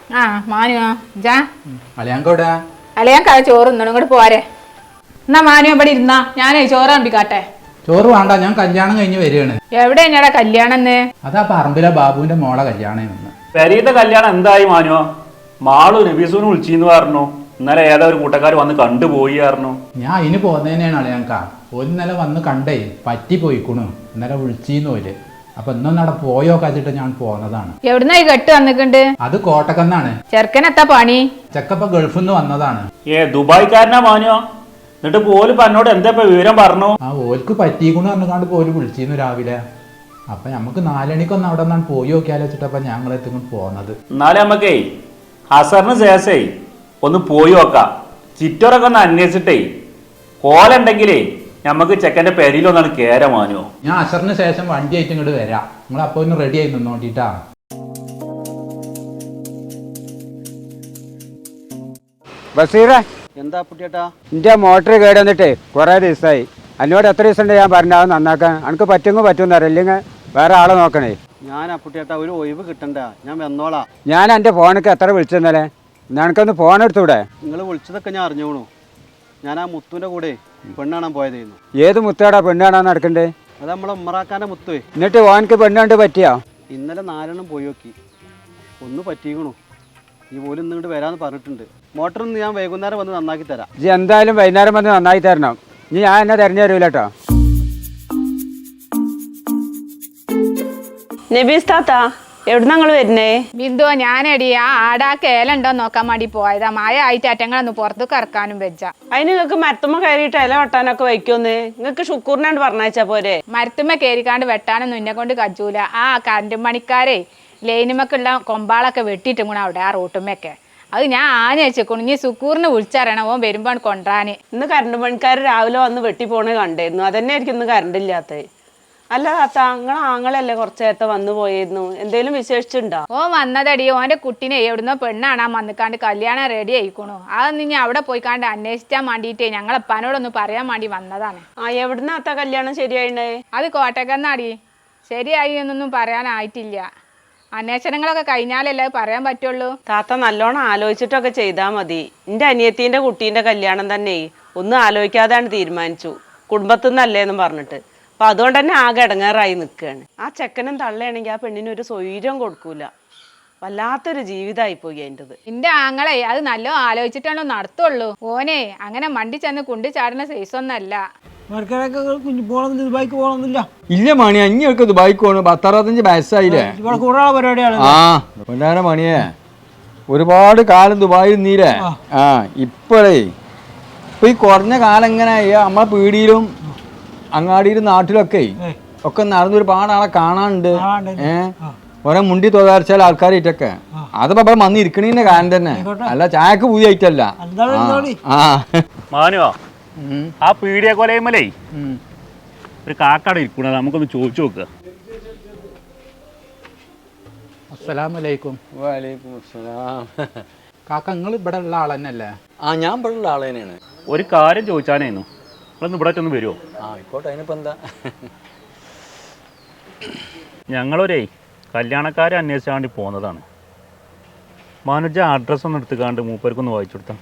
ആ മാനുവാ ജാ അളിയാങ്കോടാ അളിയാൻ ചോറ് തിന്നണം ഇങ്ങോട്ട് പോരെ. എന്നാ മാനു ഇവിടെ ഇരുന്നാ ഞാനേ ചോറ് അമ്പിക്കാട്ടെ. ചോറ് വേണ്ട, ഞാൻ കല്യാണം കഴിഞ്ഞ് വരികയാണ്. എവിടെ ഞാടാ കല്യാണം? അതാ പറമ്പിലെ ബാബുവിന്റെ മോളെ കല്യാണം. പെരീത്തെ കല്യാണം എന്തായി മാനുവോ? മാളു നബീസുവിനെ വിളിച്ചിന്ന് പറഞ്ഞു. ഇന്നലെ ഏതാ ഒരു കൂട്ടക്കാർ വന്ന് കണ്ടുപോയി പറഞ്ഞു. ഞാൻ അതിന് പോന്നേനെയാണ് അളിയാങ്ക. ഒരു ഇന്നലെ വന്ന് കണ്ടേ പറ്റി പോയിക്കണു. ഇന്നലെ വിളിച്ചിന്ന് പോല്. അപ്പൊ ഇന്നൊന്നവിടെ പോയോ കാച്ചിട്ട് ഞാൻ പോന്നതാണ്. എവിടുന്ന ഈ കെട്ട് വന്നിട്ടുണ്ട്? അത് കോട്ടക്കന്നാണ്. ചെറുക്കനെത്താ പണി? ചെക്കപ്പ ഗൾഫിൽ നിന്ന് വന്നതാണ്. ദുബായ്ക്കാരനാ മാനുവോ? എന്നിട്ട് പോലും എന്നോട് എന്താ വിവരം പറഞ്ഞു? ആ ഓൽക്ക് പറ്റിക്കണു പറഞ്ഞാണ്ട് പോലും വിളിച്ചിരുന്നു രാവിലെ. അപ്പൊ നമുക്ക് 4 മണിക്കൊന്ന് അവിടെ നിന്നാണ് പോയി നോക്കിയാലോ വെച്ചിട്ടപ്പ ഞങ്ങളെത്തിക്കൊണ്ട് പോന്നത്. എന്നാലും നമുക്കേ അസറിന് ശേഷേ ഒന്ന് പോയി നോക്കാം. ചിറ്റോറൊക്കെ ഒന്ന് അന്വേഷിച്ചിട്ടേ കോലുണ്ടെങ്കിലേ നമുക്ക് ചെക്കൻ്റെ പെരിയിലൊന്നാണ് കേര മാനുവോ. ഞാൻ അസറിന് ശേഷം വണ്ടി ആയിട്ട് ഇങ്ങോട്ട് വരാം. നിങ്ങൾ അപ്പൊ ഒന്ന് റെഡി ആയി നിന്നോണ്ടിട്ടാ. ബസീറേ, എന്താ പുട്ടിയേട്ടാ? എൻ്റെ മോട്ടർ കേട് വന്നിട്ട് കുറേ ദിവസമായി. എന്നോട് എത്ര ദിവസം ഉണ്ട് ഞാൻ പറഞ്ഞാൽ നന്നാക്കാൻ? എനിക്ക് പറ്റുമെങ്കിൽ പറ്റുമെന്ന് ഇല്ലെങ്കിൽ വേറെ ആളെ നോക്കണേ. ഞാൻ അപ്പുട്ടിയേട്ടാ ഒരു ഒഴിവ് കിട്ടണ്ട, ഞാൻ വന്നോളാം. ഞാൻ എൻ്റെ ഫോണിക്ക് എത്ര വിളിച്ചെന്നല്ലേ? എനിക്കൊന്ന് ഫോൺ എടുത്തൂടെ? നിങ്ങൾ വിളിച്ചതൊക്കെ ഞാൻ അറിഞ്ഞോണു. ഞാൻ ആ മുത്തുവിൻ്റെ കൂടെ പെണ്ണ് കാണാൻ പോയതായിരുന്നു. ഏത് മുത്താടാ പെണ്ണ് കാണാൻ നടക്കണ്ടേ? അത് നമ്മളെ ഉമ്മറാക്കാൻ്റെ മുത്തുവേ. എന്നിട്ട് ഓനക്ക് പെണ്ണ് കണ്ട് പറ്റിയോ? ഇന്നലെ 4 പോയി നോക്കി, ഒന്ന് പറ്റിക്കണു. ഈ പോലും ഇന്നിങ്ങോട്ട് വരാമെന്ന് പറഞ്ഞിട്ടുണ്ട്. മോട്ടറൊന്ന് ഞാൻ വൈകുന്നേരം വന്ന് നന്നാക്കി തരാം. ഇജ്ജ് എന്തായാലും വൈകുന്നേരം വന്ന് നന്നായി തരണം. ഇനി ഞാൻ എന്നെ തെരഞ്ഞു തരൂല കേട്ടോ. നബീസ് താത്ത, എവിടെ ഞങ്ങൾ വരുന്നേ? ബിന്ദു, ഞാനടി ആ ആടാ കേലുണ്ടോ നോക്കാൻ വേണ്ടി പോയതാ. മായ ആയിട്ട് അറ്റങ്ങളൊന്ന് പുറത്തേക്ക് ഇറക്കാനും വെച്ച. അതിന് നിങ്ങൾക്ക് മരത്തുമ്മ കയറിയിട്ട് ഇല വെട്ടാനൊക്കെ വയ്ക്കുമെന്ന് നിങ്ങൾക്ക് ഷുക്കൂറിനാണ്ട് പറഞ്ഞയച്ചാ പോരെ? മരത്തുമ്മ കയറിക്കാണ്ട് വെട്ടാനൊന്നും എന്നെ കൊണ്ട് കജൂല. ആ കറണ്ട് പണിക്കാരെ ലൈനുമൊക്കെയുള്ള കൊമ്പാളൊക്കെ വെട്ടിയിട്ടും കൂടെ അവിടെ ആ റോട്ടുമ്മയൊക്കെ. അത് ഞാൻ വെച്ചേക്കണു. ഇനി സുക്കൂറിന് വിളിച്ചറിയണം, ഓൻ വരുമ്പോൾ കൊണ്ടുവരാന്. ഇന്ന് കറണ്ട് പണിക്കാർ രാവിലെ വന്ന് വെട്ടി പോണേ കണ്ടായിരുന്നു. അതന്നെ ആയിരിക്കും ഇന്ന് കറണ്ട് ഇല്ലാത്തത്. അല്ല താത്ത, നിങ്ങൾ ആങ്ങളല്ലേ കുറച്ച് നേരത്തെ വന്നു പോയിരുന്നു, എന്തേലും വിശേഷിച്ചുണ്ടോ? ഓൻ വന്നതടി ഓൻ്റെ കുട്ടീനെ എവിടുന്നോ പെണ്ണാണാൻ വന്നിക്കാണ്ട് കല്യാണം റെഡി ആയിക്കണു. അതൊന്നും ഇനി അവിടെ പോയിക്കാണ്ട് അന്വേഷിച്ചാൻ വേണ്ടിയിട്ടേ ഞങ്ങളെപ്പാനോടൊന്ന് പറയാൻ വേണ്ടി വന്നതാണ്. ആ, എവിടുന്ന താത്ത കല്യാണം ശരിയായിണ്ടേ? അത് കോട്ടക്കന്നാടി. ശരിയായി എന്നൊന്നും പറയാനായിട്ടില്ല. അന്വേഷണങ്ങളൊക്കെ കഴിഞ്ഞാലല്ലേ പറയാൻ പറ്റുള്ളൂ. താത്ത നല്ലോണം ആലോചിച്ചിട്ടൊക്കെ ചെയ്താൽ മതി. എൻ്റെ അനിയത്തിൻ്റെ കുട്ടീൻ്റെ കല്യാണം തന്നെ ഒന്നും ആലോചിക്കാതെയാണ് തീരുമാനിച്ചു, കുടുംബത്തിൽ നിന്നല്ലേന്നും പറഞ്ഞിട്ട്. അപ്പം അതുകൊണ്ട് തന്നെ ആകെ ഇടങ്ങേറായി നിൽക്കുകയാണ്. ആ ചെക്കനും തള്ളയാണെങ്കിൽ ആ പെണ്ണിനൊരു സ്വൈര്യം കൊടുക്കൂല. വല്ലാത്തൊരു ജീവിതമായി പോയി അതിൻ്റെത്. എൻ്റെ ആങ്ങളെ അത് നല്ല ആലോചിച്ചിട്ടാണോ നടത്തുള്ളൂ. ഓനെ അങ്ങനെ മണ്ടി ചെന്ന് കുണ്ടി ചാടുന്ന സൈസൊന്നല്ല. ദുബായിക്ക് പോകണമെന്നില്ല. ഇല്ല മണി, അഞ്ഞൊക്കെ ദുബായിക്ക് പോകണം. 10-65 വയസ്സായില്ലേ? പരിപാടിയാണ്. ആ പൊന്നാര മണിയെ, ഒരുപാട് കാലം ദുബായിൽ നീലേ. ആ ഇപ്പോഴേ ഇപ്പൊ ഈ കുറഞ്ഞ കാലം എങ്ങനെ നമ്മളെ പീടിയിലും അങ്ങാടിയിലും നാട്ടിലൊക്കെ ഒക്കെ നടന്ന് ഒരുപാട് ആളെ കാണാനുണ്ട്. ഓരോ മുണ്ടി തോതാരിച്ചാൽ ആൾക്കാരായിട്ടൊക്കെ അതിപ്പോ ഇവിടെ വന്ന് ഇരിക്കണീന്റെ കാര്യം തന്നെ, അല്ല ചായക്ക് പൂതി ആയിട്ടല്ല. ആ മാനുവോ, ആ പീടിയ കൊലയുമലേ ഒരു കാക്കാട് ഇരിക്കണത്, നമുക്കൊന്ന് ചോദിച്ചു നോക്കുക. അസ്സലാമലൈക്കും. വലൈക്കും അസ്സലാം. കാക്ക നിങ്ങൾ ഇവിടെ ഉള്ള ആൾ തന്നെയല്ലേ? ആ, ഞാൻ ഇവിടെ ഉള്ള ആൾ തന്നെയാണ്. ഒരു കാര്യം ചോദിച്ചാനായിരുന്നു, നിങ്ങളൊന്ന് ഇവിടെ ഒന്ന് വരുമോ? ആ ആയിക്കോട്ടെ, അതിനിപ്പോ എന്താ? ഞങ്ങളൊരേ കല്യാണക്കാരെ അന്വേഷിച്ചാൻ വേണ്ടി പോകുന്നതാണ്. മാനുജ അഡ്രസ്സ് ഒന്ന് എടുത്തുകാണ്ട് മൂപ്പർക്കൊന്ന് വായിച്ചു കൊടുത്താൽ.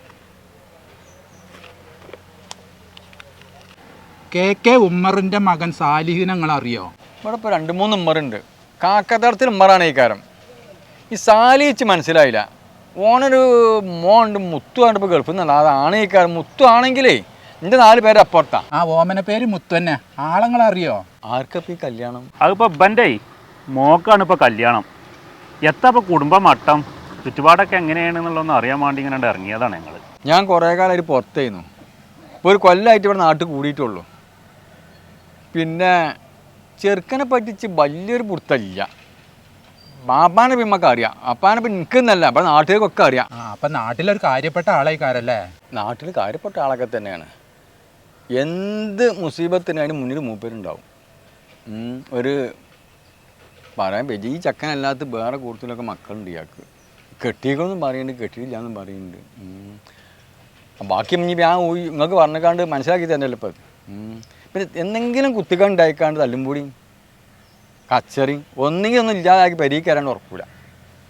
കെ ഉമ്മറിന്റെ മകൻ സാലിഹിനെ നിങ്ങൾ അറിയോ? ഇവിടെ ഇപ്പോൾ 2-3 ഉമ്മറുണ്ട്. കാക്കത്തടത്തിൽ ഉമ്മറാണ് ഈ കാരം. ഈ സാലിച്ച് മനസ്സിലായില്ല. ഓനൊരു മോണ്ട് മുത്തു കണ്ടപ്പോൾ ഗൾഫിൽ നിന്നല്ല, അതാണ് ഈ കാരം. മുത്തു ആണെങ്കിലേ എൻ്റെ 4 പേര് അപ്പുറത്താ. ആ ഓമന പേര് മുത്തു തന്നെ. ആളങ്ങൾ അറിയോ? ആർക്കപ്പോൾ ഈ കല്യാണം? അതിപ്പോൾ ബൻ്റെ മോക്കാണ് ഇപ്പോൾ കല്യാണം. എത്ര ഇപ്പോൾ കുടുംബ മട്ടം ചുറ്റുപാടൊക്കെ എങ്ങനെയാണെന്നുള്ളതൊന്ന് അറിയാൻ വേണ്ടി ഇങ്ങനെ ഇറങ്ങിയതാണ് ഞങ്ങൾ. ഞാൻ കുറേ കാലമായിട്ട് പുറത്തായിരുന്നു. ഇപ്പോൾ ഒരു കൊല്ലമായിട്ട് ഇവിടെ നാട്ടിൽ കൂടിയിട്ടുള്ളൂ. പിന്നെ ചെറുക്കനെ പറ്റിച്ച് വലിയൊരു പുറത്തല്ല. ബാപ്പാനെ പിമ്മക്ക് അറിയാം, അപ്പാനെ പിന്നെ എനിക്കെന്നല്ല, അപ്പം നാട്ടുകാർക്കൊക്കെ അറിയാം. അപ്പം നാട്ടിലൊരു കാര്യപ്പെട്ട ആളായിക്കാരല്ലേ? നാട്ടിൽ കാര്യപ്പെട്ട ആളൊക്കെ തന്നെയാണ്. എന്ത് മുസീബത്തിന് അതിന് മുന്നിൽ മൂപ്പരുണ്ടാവും. ഒരു പറയാൻ പറ്റും, ഈ ചക്കനല്ലാത്ത വേറെ കൂടുതലൊക്കെ മക്കളുണ്ട് ഇയാൾക്ക്. കെട്ടിയിക്കൊന്നും പറയുന്നുണ്ട്, കെട്ടിയില്ല എന്നും പറയുന്നുണ്ട്. ബാക്കി ഇനി ഞാൻ നിങ്ങൾക്ക് പറഞ്ഞേക്കാണ്ട് മനസ്സിലാക്കി തന്നെയല്ലോ ഇപ്പം. പിന്നെ എന്തെങ്കിലും കുത്തിക്കണ്ടായിക്കാണ്ട് തല്ലും കൂടി കച്ചറി ഒന്നെങ്കിൽ ഒന്നും ഇല്ലാതാക്കി പരീക്കരാണ്ട് ഉറപ്പില്ല.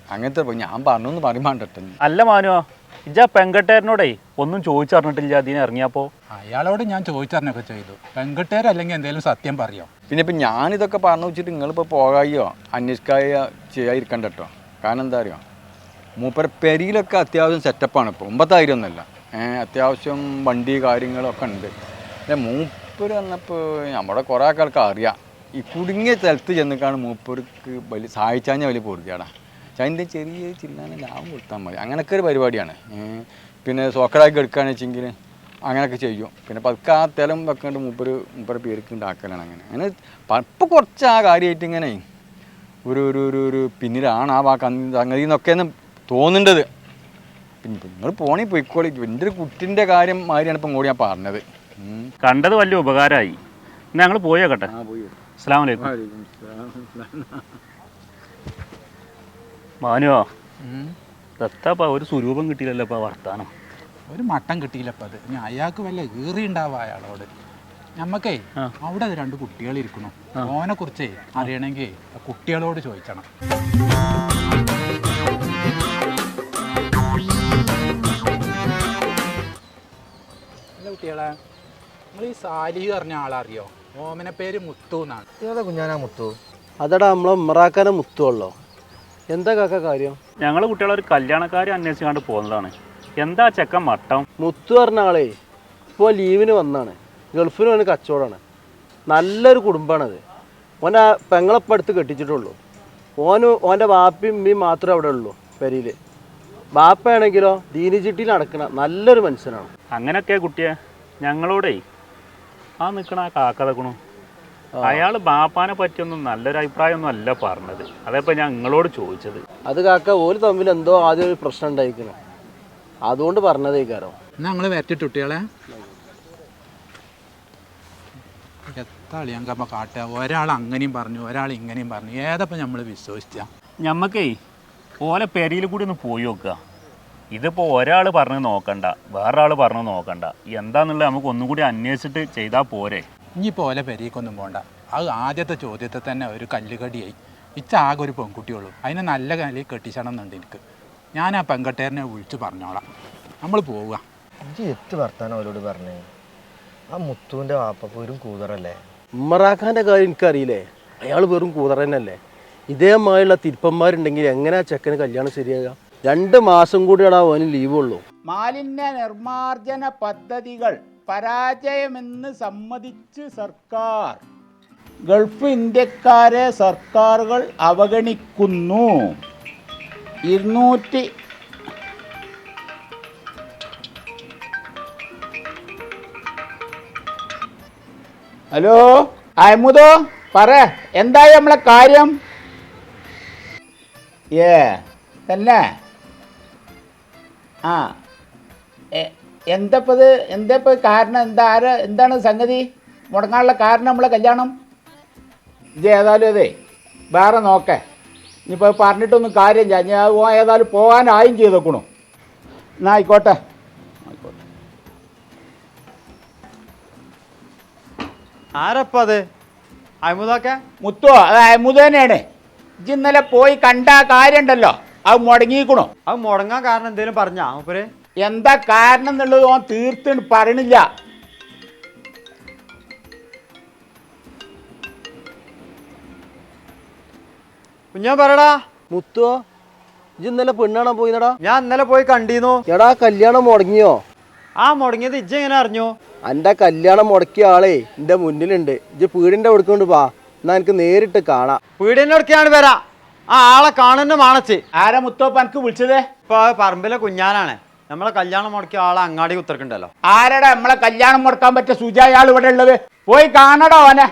അങ്ങനത്തെ ഞാൻ പറഞ്ഞൊന്നും പറയുമ്പോണ്ടട്ടെ. അല്ല മാനുവോ, ഇജ്ജാ പെങ്കട്ടേരനോടേ ഒന്നും ചോദിച്ചറിഞ്ഞിട്ടില്ല അതിന് ഇറങ്ങിയപ്പോ. അയാളോട് ഞാൻ ചോദിച്ചറിഞ്ഞൊക്കെ ചെയ്തു. പെൺകുട്ടിയരല്ലെങ്കിൽ എന്തെങ്കിലും സത്യം പറയോ? പിന്നെ ഇപ്പം ഞാനിതൊക്കെ പറഞ്ഞു വെച്ചിട്ട് നിങ്ങളിപ്പോൾ പോകായോ അന്വേഷിക്കായോ ചെയ്യാതിരിക്കണ്ട കേട്ടോ. കാരണം എന്താ അറിയോ, മൂപ്പര പെരിയിലൊക്കെ അത്യാവശ്യം സെറ്റപ്പാണ് ഇപ്പോൾ, 9,000 ഒന്നുമല്ല. അത്യാവശ്യം വണ്ടി കാര്യങ്ങളൊക്കെ ഉണ്ട്. പിന്നെ മൂപ്പര് വന്നപ്പോൾ നമ്മുടെ കുറേ ആൾക്കാർക്ക് അറിയാം, ഈ കുടുങ്ങിയ സ്ഥലത്ത് ചെന്നിക്കാണ് മൂപ്പർക്ക് വലിയ സഹായിച്ചാൽ വലിയ പൊറുതിയാടാ. അതിൻ്റെ ചെറിയ ചില്ലാനെ ലാഭം കൊടുത്താൽ മതി, അങ്ങനെയൊക്കെ ഒരു പരിപാടിയാണ്. പിന്നെ സോക്കടാക്കി എടുക്കുകയാണെന്ന് വെച്ചെങ്കിൽ അങ്ങനെയൊക്കെ ചെയ്യും. പിന്നെ പതുക്കെ ആ തെലം വെക്കേണ്ട മൂപ്പര പേർക്ക് ഉണ്ടാക്കലാണ്. അങ്ങനെ ഇപ്പോൾ കുറച്ച് ആ കാര്യമായിട്ട് ഇങ്ങനെ ഒരു പിന്നിലാണ് ആ സംഗതി എന്നൊക്കെയാണ് തോന്നുന്നുണ്ടത്. പിന്നെ നിങ്ങൾ പോണി പോയിക്കോളി. എൻ്റെ ഒരു കുട്ടിൻ്റെ കാര്യം മാതിരിയാണ് ഇപ്പം കൂടി ഞാൻ പറഞ്ഞത്. കണ്ടത് വലിയ ഉപകാരമായി. ഞങ്ങൾ പോയേക്കട്ടെ. അസ്സലാമു അലൈക്കും. മാനുവോ, ദത്താപ്പ ഒരു സ്വരൂപം കിട്ടിയില്ലല്ലോ ഇപ്പം വർത്താനം. ഒരു മട്ടം കിട്ടിയില്ലപ്പം. അത് ഞാൻ അയാൾക്ക് വല്ല ഈറിയുണ്ടാവുക അയാളോട്. നമ്മക്കേ അവിടെ 2 കുട്ടികളിരിക്കണം. ഓനെ കുറിച്ചേ അറിയണമെങ്കിൽ കുട്ടികളോട് ചോദിക്കണം. അല്ല കുട്ടികളെ, നിങ്ങൾ ഈ സാലിഹ് പറഞ്ഞ ആളറിയോ? ഓമന പേര് മുത്തു എന്നാണ്. ഏതാ കുഞ്ഞാനാ മുത്തു? അതടാ നമ്മളെ ഉമ്മറാക്കാനെ മുത്തുവല്ലോ. എന്താ കാക്ക കാര്യം? ഞങ്ങൾ കുട്ടികളൊരു കല്യാണക്കാരെ അന്വേഷിച്ചുകൊണ്ട് പോകുന്നതാണ്. എന്താ ചെക്കൻ മട്ടം? മുത്തു പറഞ്ഞ ആളേ ഇപ്പോൾ ലീവിന് വന്നാണ്. ഗൾഫിന് വന്ന് കച്ചവടമാണ്. നല്ലൊരു കുടുംബമാണത്. ഓനെ പെങ്ങളപ്പം അടുത്ത് കെട്ടിച്ചിട്ടുള്ളൂ. ഓൻ്റെ വാപ്പയും ഉമ്മയും മാത്രമേ അവിടെ ഉള്ളൂ പെരിയിൽ. ബാപ്പയാണെങ്കിലോ ദീനി ചിട്ടിയിൽ നടക്കണ നല്ലൊരു മനുഷ്യനാണ്. അങ്ങനെയൊക്കെ കുട്ടിയെ ഞങ്ങളോടേ ആ നിൽക്കണ ആ കാക്കതക്കണു. അയാൾ ബാപ്പാനെ പറ്റിയൊന്നും നല്ലൊരു അഭിപ്രായമൊന്നും അല്ല പറഞ്ഞത്. അതേപ്പോൾ ഞാൻ നിങ്ങളോട് ചോദിച്ചത്. അത് കാക്ക ഓല് തമ്മിൽ എന്തോ ആദ്യം ഒരു പ്രശ്നം ഉണ്ടായിരിക്കണം, അതുകൊണ്ട് പറഞ്ഞതേക്കാരോ. എന്നാൽ ഞങ്ങൾ വരട്ടിട്ട് കുട്ടികളെ എത്താളിയാങ്കമ്മ കാട്ടുക. ഒരാൾ അങ്ങനെയും പറഞ്ഞു, ഒരാൾ ഇങ്ങനെയും പറഞ്ഞു. ഏതപ്പം നമ്മൾ വിശ്വസിച്ച? ഞമ്മക്കേ ഓലെ പെരിയിൽ കൂടി ഒന്ന് പോയി നോക്കുക. ഇതിപ്പോൾ ഒരാൾ പറഞ്ഞ് നോക്കണ്ട, വേറൊരാൾ പറഞ്ഞ് നോക്കണ്ട. എന്താണെന്നുള്ളത് നമുക്ക് ഒന്നും കൂടി അന്വേഷിച്ചിട്ട് ചെയ്താൽ പോരെ. ഇനിയിപ്പോൾ ഓലെ പെരീക്കൊന്നും പോകണ്ട. അത് ആദ്യത്തെ ചോദ്യത്തിൽ തന്നെ ഒരു കല്ലുകടിയായി. ഇച്ചാകെ ഒരു പെൺകുട്ടിയുള്ളൂ, അതിനെ നല്ല കല്ലിൽ കെട്ടിച്ചണം എന്നുണ്ട് എനിക്ക്. ഞാൻ ആ പെൺകട്ടേരനെ വിളിച്ച് പറഞ്ഞോളാം. നമ്മൾ പോവുക. ഇജ്ജ് എത്ത് വർത്താനം അവരോട് പറഞ്ഞേ? ആ മുത്തുവിൻ്റെ വാപ്പ വെറും കൂതറല്ലേ? ഉമ്മറാഖാൻ്റെ കാര്യം എനിക്കറിയില്ലേ, അയാൾ വെറും കൂതറ തന്നെയല്ലേ. ഇതേമായുള്ള തിരുപ്പന്മാരുണ്ടെങ്കിൽ എങ്ങനെയാ ചെക്കന് കല്യാണം ശരിയാകുക? 2 മാസം കൂടിയാണ് അവന് ലീവുള്ളൂ. മാലിന്യ നിർമ്മാർജ്ജന പദ്ധതികൾ പരാജയമെന്ന് സമ്മതിച്ച് സർക്കാർ. ഗൾഫ് ഇന്ത്യക്കാരെ സർക്കാരുകൾ അവഗണിക്കുന്നു. 200 ഹലോ അഹമ്മദോ, പറ എന്തായി നമ്മളെ കാര്യം? തന്നെ ആ എന്താ കാരണം? എന്താണ് സംഗതി? മുടങ്ങാനുള്ള കാരണം നമ്മളെ കല്യാണം? ഇത് ഏതായാലും അതെ വേറെ നോക്കേ. ഇനിയിപ്പോൾ പറഞ്ഞിട്ടൊന്നും കാര്യമില്ല. ഞാൻ ഏതായാലും പോകാനായും ചെയ്തേക്കണു. എന്നാൽ ആയിക്കോട്ടെ. ആരപ്പ അത്? അഹമ്മദൊക്കെ മുത്തോ, അത് അഹമ്മദ് തന്നെയാണ്. ഇജ്ജ് ഇന്നലെ പോയി കണ്ട കാര്യം ഉണ്ടല്ലോ, അത് മുടങ്ങിക്കണോ? അത് മുടങ്ങാൻ കാരണം എന്തേലും പറഞ്ഞാ മൂപ്പര്? എന്താ കാരണം എന്നുള്ളത് ഓൻ തീർത്തും പറയണില്ല. കുഞ്ഞാൻ പറയടാ. മുത്തുവോ, ഇജ്ജ് ഇന്നലെ പെണ്ണാണോ പോയിന്നടാ? ഞാൻ ഇന്നലെ പോയി കണ്ടീന്നു. എടാ കല്യാണം മുടങ്ങിയോ? ആ മുടങ്ങിയത് ഇജ്ജ് എങ്ങനെ അറിഞ്ഞു? എൻ്റെ കല്യാണം മുടക്കിയ ആളേ എൻ്റെ മുന്നിലുണ്ട്. ഇജ്ജ് പീടിൻ്റെ കൊടുക്കൊണ്ട് പാ, എന്നാ എനിക്ക് നേരിട്ട് കാണാം. പീടിയന്റെ അടുക്കാണ് വരാ. ആ ആളെ കാണുന്ന മാണച്ച്. ആരാ മുത്തോപ്പ എനിക്ക് വിളിച്ചത്? ഇപ്പൊ പറമ്പിലെ കുഞ്ഞാനാണ്. നമ്മളെ കല്യാണം മുടക്കിയ ആളെ അങ്ങാടി കുത്തിറക്കുണ്ടല്ലോ. ആരടാ നമ്മളെ കല്യാണം മുടക്കാൻ പറ്റിയ സുജായാൾ ഇവിടെ ഉള്ളത്? പോയി കാണടോ ഓനെ.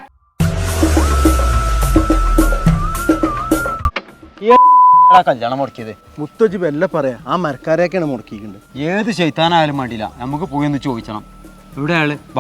കല്യാണം മുടക്കിയത് മുത്തജി വല്ല പറയാ, ആ മരക്കാരെയൊക്കെയാണ് മുടക്കിയിട്ടുണ്ട്. ഏത് ശൈത്താനായാലും വേണ്ടിയില്ല, നമുക്ക് പോയി ഒന്ന് ചോദിക്കണം. ഇവിടെ ആള് വാ.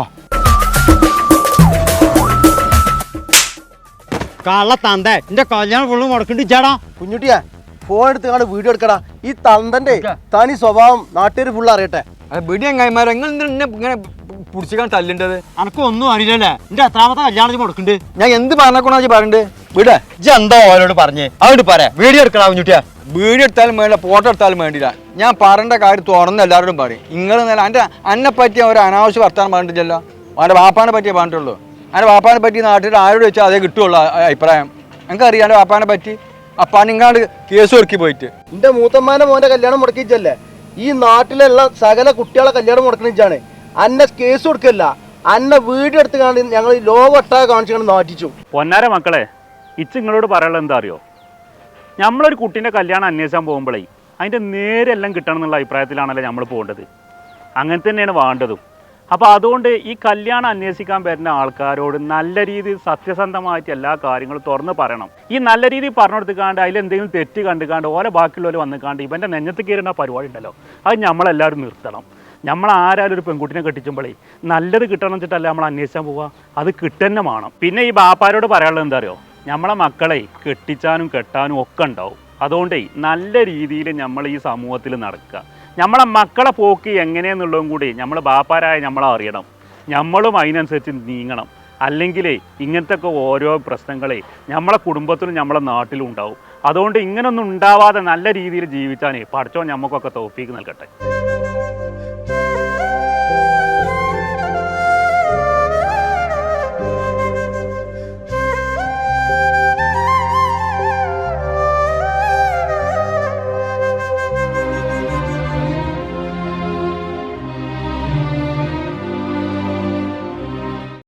കള്ള തന്ത എന്റെ കല്യാണം ഫുള്ള് മുടക്കിണ്ട് ചേടാ. കുഞ്ഞുട്ടിയാ ഫോൺ എടുത്ത് കാണും വീഡിയോ എടുക്കടാ. ഈ തന്തന്റെ തനി സ്വഭാവം നാട്ടുകാർ ഫുള്ള് അറിയട്ടെ. ബിഡി എങ്ങായിമാരോ ഇങ്ങനെ പിടിച്ചിക്കാൻ തല്ലിണ്ടത്? അനക്കൊന്നും അറിയില്ലല്ലേ? എന്റെ എത്രാമത്തെ കല്യാണം മുടക്കുന്നുണ്ട്? ഞാൻ എന്ത് പറഞ്ഞോണോ പറയണ്ട്? വിട ഇജ്ജ് എന്താ ഓരോട് പറഞ്ഞേ? അവിടെ പറയാ വീഡിയോ എടുക്കടാ കുഞ്ഞുട്ടിയാ. വീഡിയോ എടുത്താലും വേണ്ടില്ല, ഫോട്ടോ എടുത്താലും വേണ്ടില്ല. ഞാൻ പറയേണ്ട കാര്യം തുറന്ന് എല്ലാവരോടും പറയും. നിങ്ങൾ അന്നെ പറ്റി ഒരു അനാവശ്യ വർത്താനം പറഞ്ഞിട്ടില്ലല്ലോ. അവൻ്റെ വാപ്പാനെ പറ്റിയേ പറഞ്ഞിട്ടുള്ളൂ. അവൻ്റെ വാപ്പാനെ പറ്റി നാട്ടിൽ ആരോട് വെച്ചാൽ അതേ കിട്ടുള്ളൂ അഭിപ്രായം. എനിക്കറിയാം എൻ്റെ വാപ്പാനെ പറ്റി. അപ്പം നിങ്ങാണ്ട് കേസ് ഒരുക്കി പോയിട്ട് എൻ്റെ മൂത്തമ്മാൻ്റെ മോൻ്റെ കല്യാണം മുടക്കിച്ചല്ലേ ഈ നാട്ടിലുള്ള സകല കുട്ടികളെ കല്യാണം മുടക്കണിച്ചാണ്. അന്നെ കേസ് കൊടുക്കല്ല, അന്നെ വീഡിയോ എടുത്ത് കാണി ഞങ്ങൾ ലോകമൊട്ടാകെ കാണിച്ചു നാട്ടിച്ചു. പൊന്നാര മക്കളെ, നിങ്ങളോട് പറയാനുള്ളത് എന്താ അറിയോ? നമ്മളൊരു കുട്ടീൻ്റെ കല്യാണം അന്വേഷിക്കാൻ പോകുമ്പോഴേ അതിൻ്റെ നേരെല്ലാം കിട്ടണം എന്നുള്ള അഭിപ്രായത്തിലാണല്ലോ നമ്മൾ പോകേണ്ടത്. അങ്ങനെ തന്നെയാണ് വേണ്ടതും. അപ്പോൾ അതുകൊണ്ട് ഈ കല്യാണം അന്വേഷിക്കാൻ വരുന്ന ആൾക്കാരോട് നല്ല രീതിയിൽ സത്യസന്ധമായിട്ട് എല്ലാ കാര്യങ്ങളും തുറന്ന് പറയണം. ഈ നല്ല രീതിയിൽ പറഞ്ഞു കൊടുത്തുകാണ്ട് അതിലെന്തെങ്കിലും തെറ്റ് കണ്ടുകാണ്ട് ഓരോ ബാക്കിയുള്ളവർ വന്നുകാണ്ട് ഇവൻ്റെ നെഞ്ഞത്ത് കയറുന്ന പരിപാടി ഉണ്ടല്ലോ, അത് നമ്മളെല്ലാവരും നിർത്തണം. നമ്മൾ ആരാലും ഒരു പെൺകുട്ടിനെ കെട്ടിച്ചുമ്പോഴേ നല്ലത് കിട്ടണം വെച്ചിട്ടല്ല നമ്മൾ അന്വേഷിക്കാൻ പോവുക, അത് കിട്ടുന്നെ വേണം. പിന്നെ ഈ ബാപ്പാരോട് പറയാനുള്ളത് എന്താ അറിയോ? നമ്മളെ മക്കളെ കെട്ടിച്ചാനും കെട്ടാനും ഒക്കെ ഉണ്ടാവും. അതുകൊണ്ടേ നല്ല രീതിയിൽ നമ്മൾ ഈ സമൂഹത്തിൽ നടക്കുക. നമ്മളെ മക്കളെ പോക്ക് എങ്ങനെയെന്നുള്ളതും കൂടി നമ്മൾ ബാപ്പാരായ നമ്മളെ അറിയണം. നമ്മളും അതിനനുസരിച്ച് നീങ്ങണം. അല്ലെങ്കിൽ ഇങ്ങനത്തെ ഒക്കെ ഓരോ പ്രശ്നങ്ങളെ നമ്മളെ കുടുംബത്തിലും നമ്മളെ നാട്ടിലും ഉണ്ടാവും. അതുകൊണ്ട് ഇങ്ങനൊന്നും ഉണ്ടാവാതെ നല്ല രീതിയിൽ ജീവിച്ചാനേ പഠിച്ചോ നമുക്കൊക്കെ തൗഫീക്ക് നൽകട്ടെ.